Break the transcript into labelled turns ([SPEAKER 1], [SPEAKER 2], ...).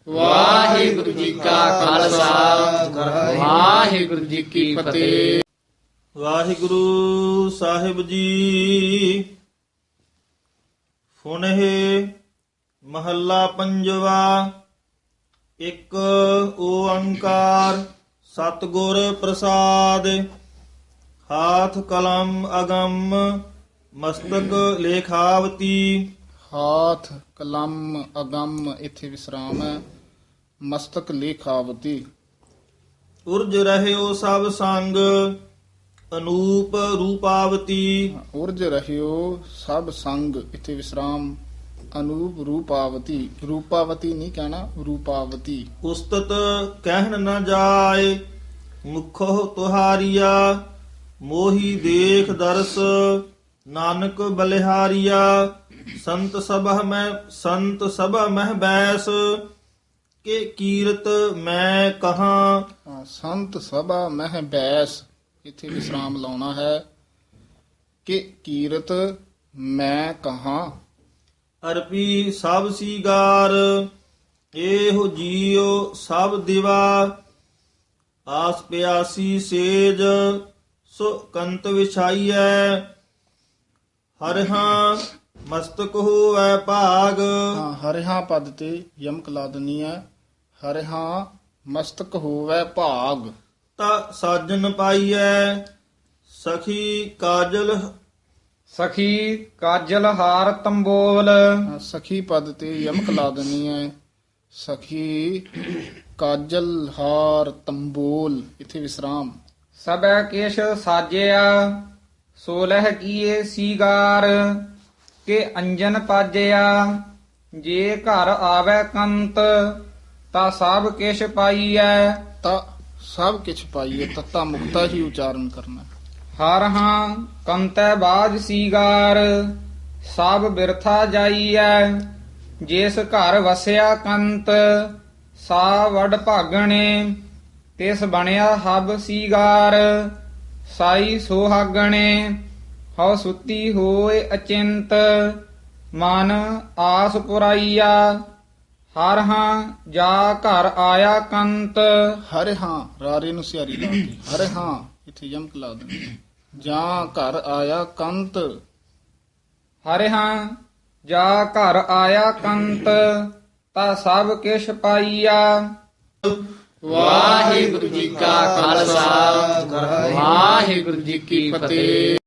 [SPEAKER 1] ਵਾਹਿਗੁਰੂ ਜੀ ਕਾ ਖਾਲਸਾ ਵਾਹਿਗੁਰੂ ਜੀ ਕੀ ਫਤਿਹ।
[SPEAKER 2] ਵਾਹਿਗੁਰੂ ਸਾਹਿਬ ਜੀ। ਫੁਨਹਿ ਮਹੱਲਾ ਪੰਜਵਾ। ਇੱਕ ਓੰਕਾਰ ਸਤਿਗੁਰ ਪ੍ਰਸਾਦ। ਹਾਥ ਕਲਮ ਅਗੰਮ ਮਸਤਕ ਲੇਖਾਵਤੀ।
[SPEAKER 1] ਹਾਥ ਕਲਮ ਅਗੰਮ ਇੱਥੇ ਵਿਸਰਾਮ ਹੈ। ਮਸਤਕ ਲੇਖਾਵਤੀ।
[SPEAKER 2] ਉਰਜ ਰਹਿਓ ਸਭ ਸੰਗ ਅਨੂਪ ਰੂਪਾਵਤੀ।
[SPEAKER 1] ਉਰਜ ਰਹਿਓ ਸਭ ਸੰਗ ਇੱਥੇ ਵਿਸਰਾਮ। ਅਨੂਪ ਰੂਪਾਵਤੀ। ਰੂਪਾਵਤੀ ਨਹੀਂ ਕਹਿਣਾ, ਰੂਪਾਵਤੀ।
[SPEAKER 2] ਉਸਤਤ ਕਹਿਣ ਨ ਜਾਏ ਮੁਖੋ ਤੁਹਾਰੀਆ। ਮੋਹੀ ਦੇਖ ਦਰਸ ਨਾਨਕ ਬਲਿਹਾਰੀਆ। ਸੰਤ ਸਭਾ ਮਹਿ ਬੈਸ ਕੇ ਕੀਰਤ ਮੈਂ ਕਹਾਂ।
[SPEAKER 1] ਸੰਤ ਸਭਾ ਮਹਿ ਬੈਸ ਇੱਥੇ ਵਿਸਰਾਮ ਲਾਉਣਾ ਹੈ। ਕਿ ਕੀਰਤ ਮੈਂ ਕਹਾਂ।
[SPEAKER 2] ਅਰਪੀ ਸਭ ਸੀਗਾਰ ਇਹੋ ਜੀਉ ਸਭ ਦਿਵਾ। ਆਸ ਪਿਆਸੀ ਸੇਜ ਸੋ ਕੰਤ ਵਿਛਾਈਐ। ਹਰਿਹਾ ਮਸਤਕ ਹੋਵੈ ਭਾਗ।
[SPEAKER 1] ਹਰਿਹਾ ਪਦ ਤੇ ਯਮਕ ਲਾ ਦਨੀ ਹੈ। ਹਰਿਹਾ ਮਸਤਕ ਹੋਵੈ ਭਾਗ।
[SPEAKER 2] ਤਾ ਸਾਜਨ ਪਾਈਐ ਸਖੀ ਕਾਜਲ।
[SPEAKER 3] ਸਖੀ ਕਾਜਲ ਹਾਰ ਤੰਬੋਲ।
[SPEAKER 1] ਸਖੀ ਪਦ ਤੇ ਯਮਕ ਲਾ ਦਨੀ ਹੈ। ਸਖੀ ਕਾਜਲ ਹਾਰ ਤੰਬੋਲ ਇੱਥੇ ਵਿਸਰਾਮ।
[SPEAKER 3] ਸਬੈ ਕੇਸ਼ ਸਾਜਿਆ ਸੋਲਹ ਕੀਏ ਸੀਗਾਰ। ਕੇ ਅੰਜਨ ਪਾਜਿਆ ਜੇ ਘਰ ਆਵੈ ਕੰਤ। ਤਾ ਸਭ ਕਿਛ ਪਾਈਐ।
[SPEAKER 1] ਤਾਂ ਸਭ ਕਿਛ ਪਾਈਏ। ਤੱਤਾ ਮੁਕਤਾ ਹੀ ਉਚਾਰਨ ਕਰਨਾ।
[SPEAKER 3] ਹਰ ਹਾਂ ਕੰਤੈ ਬਾਜ ਸੀਗਾਰ। ਸਭ ਬਿਰਥਾ ਜਾਈਐ ਜਿਸ ਘਰ ਵਸਿਆ ਕੰਤ। ਸਾ ਵਡ ਭਾਗਣੇ ਤਿਸ ਬਣਿਆ ਹਬ ਸੀਗਾਰ। ਸਾਈ ਸੁਹਾਗਣੇ ਹਉ ਸੁੱਤੀ ਹੋਏ ਅਚਿੰਤ। ਮਨ ਆਸ ਪੁਰਾਈਆ ਹਰ ਹਾਂ ਜਾ ਘਰ ਆਇਆ ਕੰਤ।
[SPEAKER 1] ਹਰਿ ਹਾਂ ਰਾਰੇ ਨੂੰ ਸਿਆਰੀ ਲਾਤੀ। ਹਰਿ ਹਾਂ ਇੱਥੇ ਯਮਕ ਲਾ ਦੇਣੀ। ਜਾਂ ਘਰ ਆਇਆ ਕੰਤ।
[SPEAKER 3] ਹਰਿ ਹਾਂ ਜਾ ਘਰ ਆਇਆ ਕੰਤ। ਤਾ ਸਭ ਕਿਛ ਪਾਈਆ।
[SPEAKER 1] ਵਾਹਿਗੁਰੂ ਜੀ ਕਾ ਖਾਲਸਾ ਵਾਹਿਗੁਰੂ ਜੀ ਕੀ ਫਤਿਹ।